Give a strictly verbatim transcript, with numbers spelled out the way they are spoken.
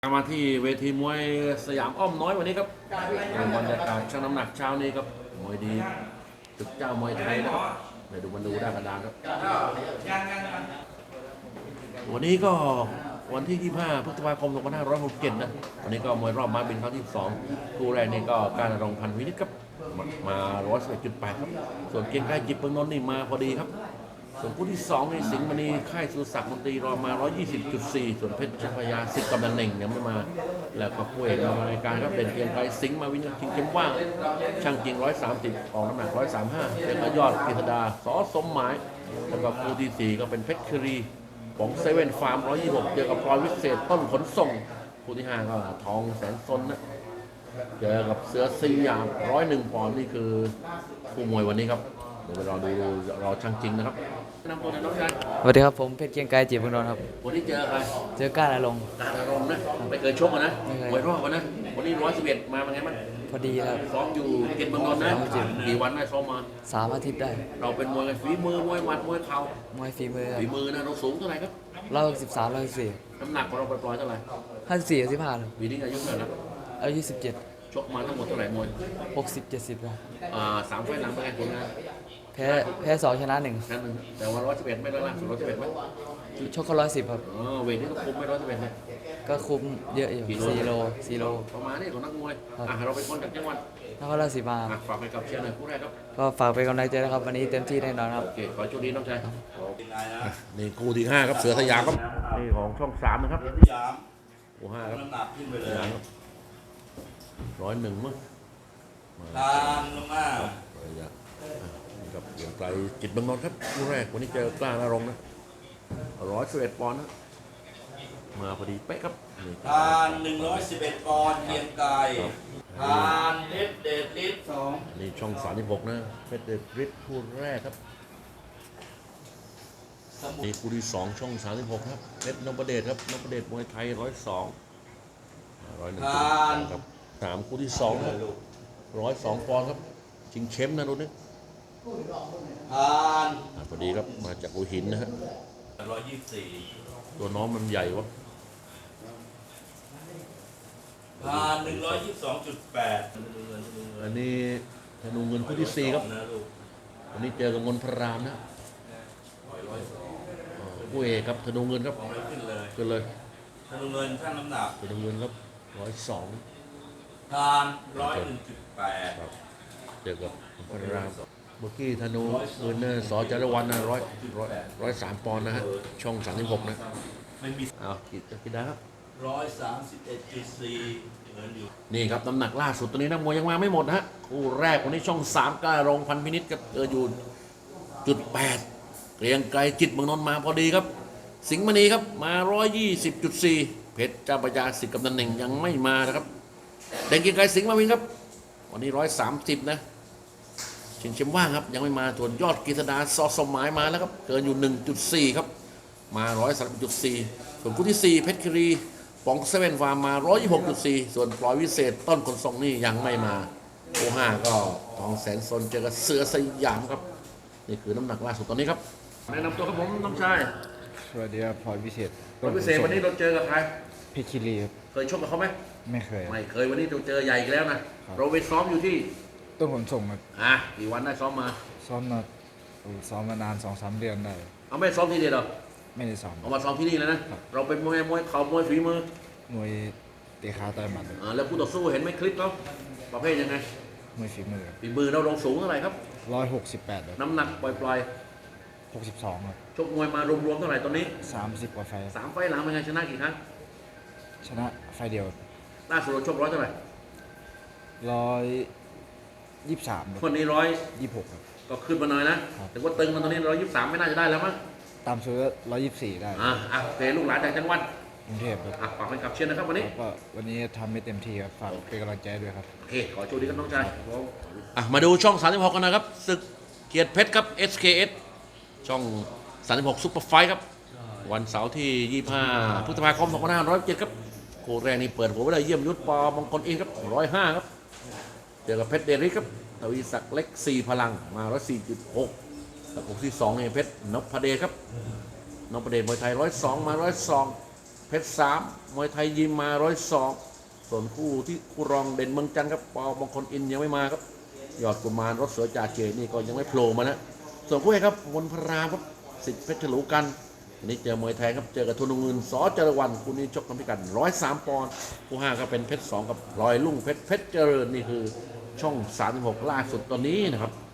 มาที่เวทีมวยสยามอ้อมน้อยวันนี้ครับบรรยากาศช่างน้ำหนักเช้านี้ครับมวยดีตึกเจ้ามวยไทยนะครับไปดูมันดูได้กระดานครับวันนี้ก็วันที่ยี่สิบห้าพฤษภาคมสองพันห้าร้อยหกสิบเจ็ดนะวันนี้ก็มวยรอบมาบินครั้งที่สองคู่แรกนี่ก็การรองพันวินิจครับมาร้อยสิบเอ็ดจุดแปดครับส่วนเกียงไกรจิตเมืองนนท์นี่มาพอดีครับส่วนคู่ที่สองในสิงห์มณีค่ายสุรศักดิ์มนตรีรอมา ร้อยยี่สิบจุดสี่ ส่วนเพชรเจ้าพระยาสิทธิ์กำนันเน่งยังไม่มาแล้วก็คู่เอกในรายการก็เป็นเกียงไกรสิงห์มาวินชิงเข้มว่างช่างจริงหนึ่งร้อยสามสิบออกน้ำหนักหนึ่งร้อยสามสิบห้าเจ้ายอดกฤษดาสอสมหมายแล้วก็คู่ที่สี่ก็เป็นเพชรครีของเซเว่นฟาร์มหนึ่งร้อยยี่สิบหกเจอกับพลอยวิเศษต้นขนส่งคู่ที่ห้าก็ทองแสนซนนะเจอกับเสือสยามร้อยหนึ่งปอนด์นี่คือคู่มวยวันนี้ครับเดี๋ยวไปรอดูรอช่างจริงนะครับนำตัวในน้องชายสวัสดีครับผมเพชรเกียงไกรจิตรเมืองนนท์ครับวันนี้เจอใครเจอก้าอารมณ์การอารมณ์นะไม่เคยชกนะมวยรอบกันนะวันนี้ร้อยสิบเอ็ดมาเป็นไงบ้างพอดีครับซ้อมอยู่เกตเมืองนนท์นะกี่วันได้ซ้อมมาสามอาทิตย์ได้เราเป็นมวยฝีมือมวยหมัดมวยเข่ามวยฝีมือฝีมือนะเราสูงเท่าไหร่ครับร้อยสิบสามร้อยสี่น้ำหนักของเราปล่อยๆเท่าไหร่ห้าสิบสี่สิบห้าปีนี้อายุเท่าไหร่ครับอายุสิบเจ็ดชกมาทั้งหมดเท่าไหร่มวยหกสิบเจ็ดสิบครับอ่าสามไฟหลังเป็นไงผลงานแพ้แพ้สองชนะหนึ่งนั่นหนึ่งแต่ว่าร้อยสิบเอ็ดไม่ได้ล่าสุดร้อยสิบเอ็ดไหมชกเขาร้อยสิบครับอ๋อเวทนี่ก็คุมไม่ร้อยสิบเอ็ดไหมก็คุมเยอะอยู่สี่โลสี่โลประมาณนี้ของนักมวยอ่ะเราเป็นคนจากจังหวัดนครราชสีมาฝากไปกับเชียร์หน่อยคู่แรกครับก็ฝากเป็นกำลังใจนะครับวันนี้เต็มที่แน่นอนครับโอเคขอโชคดีน้องชายนี่คู่ที่ห้าครับเสือสยามครับนี่ของช่องสามนะครับคู่ห้าครับร้อยหนึ่งมั้งตามลงมากับเกียงไกรจิตเมืองนนท์ครับคู่แรกวันนี้เจอกล้านารงนะร้อยสิบเอ็ดปอนด์นะมาพอดีเป๊ะครับทานหนึ่งร้อยสิบเอ็ดปอนด์เกียงไกรทานเพชรเดชฤทธิ์สองนี่ช่องสามสิบหกนะเพชรเดชฤทธิ์คู่แรกครับนี่คู่ที่สองช่องสามสิบหกครับเพชรนพเดชครับนพเดชมวยไทยร้อยสองร้อยหนึ่งครับสามคู่ที่สองครับร้อยสองปอนด์ครับชิงเช้มนะรุ่นนี้ทานพอดีครับมาจากหัวหินนะฮะร้อยยี่สิบสี่ตัวน้องมันใหญ่วะทานหนึ่งร้อยยี่สิบสองจุดแปดอันนี้ธนูเงินคู่ที่สี่ครับวันนี้เจอกับมนพรามนะคู่เอกครับธนูเงินครับขึ้นเลยธนูเงินช่างน้ำหนักธนูเงินครับร้อยสองทานร้อยหนึ่งจุดแปดเจอกับมนพรามเมื่อกี้ธนูเงินเนี่ยสอจารวันนะร้อยร้อยร้อยสามปอนด์นะฮะช่องสามสิบหกนะไม่มีเอากินกินได้ครับร้อยสามสิบเอ็ดจุดสี่เงินอยู่นี่ครับน้ำหนักล่าสุดตัวนี้นักมวยยังมาไม่หมดนะฮะคู่แรกวันนี้ช่องสามกล้ารงพันพินิจกับเอออยู่จุดแปดเกรียงไกรจิตเมืองนนท์มาพอดีครับสิงห์มณีครับมาร้อยยี่สิบจุดสี่เพชรเจ้าพระยาสิทธิ์กำนันเน่งยังไม่มานะครับแดงเกรียงไกรสิงห์มาวินครับวันนี้ร้อยสามสิบนะชิงเชมว่างครับยังไม่มาส่วนยอดกฤษดาซอสมหมายมาแล้วครับเกินอยู่ หนึ่งจุดสี่ ครับมาร้อยสามสิบจุดสี่ส่วนคู่ที่สี่เพชรครีปองเซเว่นฟาร์มมาร้อยยี่สิบหกจุดสี่ส่วนพลอยวิเศษต้นขนส่งนี่ยังไม่มาคู่ห้าก็ทองแสนซนเจอกับเสือสยามครับนี่คือน้ำหนักล่าสุดตอนนี้ครับแนะนำตัวครับผมน้องชายสวัสดีครับพลอยวิเศษพลอยวิเศษวันนี้เราเจอกับใครเพชรคีรีครับเคยชกกับเขาไหมไม่เคยไม่เคยวันนี้เราเจอใหญ่อีกแล้วนะเราไปซ้อมอยู่ที่ต้นขนส่งครับอ่ะกี่วันได้ซ้อมมาซ้อมมาซ้อมมานานสองสามเดือนได้เอาไม่ซ้อมที่เดียวหรอไม่ได้ซ้อมเอามาซ้อมที่นี่แล้วนะเราเป็นมวยมวยเข่ามวยฝีมือมวยเตะขาต่อยหมัดอ่าแล้วคู่ต่อสู้เห็นไหมคลิปเขาประเภทยังไงมวยฝีมือฝีมือเราลงสูงเท่าไหร่ครับร้อยหกสิบแปดน้ำหนักปล่อยๆหกสิบสองครับชกมวยมารวมๆเท่าไหร่ตอนนี้สามสิบกว่าไฟสามไฟหลังเป็นไงชนะกี่ครั้งชนะไฟเดียวล่าสุดเราชกร้อยเท่าไหร่ร้อยยี่สิบสามคนนี้ร้อยยี่สิบหกก็ขึ้นมาหน่อยนะแต่ว่าตึงมันตอนนี้ร้อยยี่สิบสามไม่น่าจะได้แล้วมั้งตามซื้อร้อยยี่สิบสี่ได้อ่าอ่ะโอเคลูกหลานจากจังหวัดกรุงเทพครับอ่ะฝากเป็นขับเชียร์นะครับวันนี้ก็วันนี้ทำไม่เต็มที่ครับฝากเป็นกำลังใจด้วยครับโอเคขอโชคดีครับน้องชายอ่ะมาดูช่องสามสิบหกกันนะครับศึกเกียรติเพชรครับ เอส เค เอส ช่องสามสิบหกซุปเปอร์ไฟท์ครับวันเสาร์ที่ยี่สิบห้าพฤษภาคมสองพันห้าร้อยเจ็ดครับคู่แรกนี่เปิดหัวไว้ได้เยี่ยมยุทธปอมงคลอินครับร้อยห้าครับเจอกับเพชรเดริสครับทวีศักดิ์เล็กสี่พลังมาร้อยสี่จุดหกกับคู่ที่สองเนี่ยเพชรนพเดชครับนพเดชมวยไทยร้อยสองมาร้อยสองเพชรสามมวยไทยยิมมาร้อยสองส่วนคู่ที่คู่รองเด่นเมืองจันทร์ครับปอบางคนอินยังไม่มาครับยอดกุมารรถเสือจ่าเจนี่ก็ยังไม่โผล่มานะส่วนคู่เอกครับมนพรามครับสิทธิ์เพชรฉลูกันอันนี้เจอมวยไทยครับเจอกับทุนเงินสอจรวันคู่นี้ชกกันพิกัดร้อยสามปอนด์คู่ห้าก็เป็นเพชรสองกับลอยลุ่งเพชรเพชรเจริญนี่คือช่องสามสิบหกล่าสุดตอนนี้นะครับ